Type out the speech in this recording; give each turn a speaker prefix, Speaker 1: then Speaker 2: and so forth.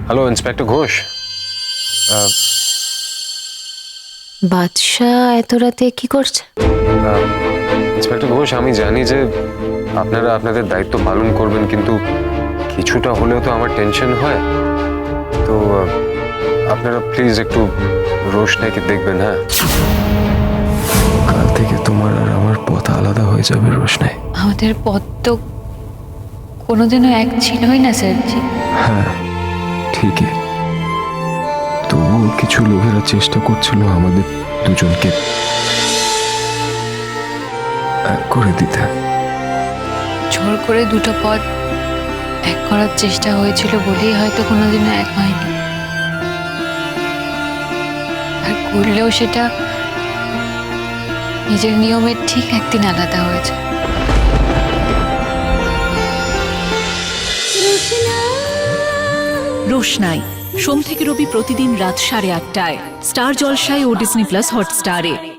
Speaker 1: Hello inspector Ghosh.
Speaker 2: বাদশাহ এত রাতে কি করছে?
Speaker 1: ইন্সপেক্টর ঘোষ, আমি জানি যে আপনারা আপনাদের দায়িত্ব পালন করবেন, কিন্তু কিছুটা হলেও তো আমার টেনশন হয়। তো আপনারা প্লিজ একটু রোশনাইকে দেখবেন। হ্যাঁ, কাল থেকে তোমার আর আমার পথ আলাদা হয়ে যাবে রোশনাই।
Speaker 3: আমাদের পথ তো কোনোদিনও এক ছিলই না স্যারজি।
Speaker 1: হ্যাঁ ঠিকই, তবুও কিছু লোকেরা চেষ্টা করছিল আমাদের দুজনকে এক করে দিতে।
Speaker 3: জোর করে দুটো পথ এক করার চেষ্টা হয়েছিল বলেই হয়তো কোনোদিনও এক হয়নি, আর করলেও সেটা নিজের নিয়মের ঠিক একদিন আলাদা হয়েছে।
Speaker 4: রোশনাই সোম থেকে রবি প্রতিদিন রাত 8:30টায় স্টার জলসায় ও ডিজনি প্লাস হটস্টারে।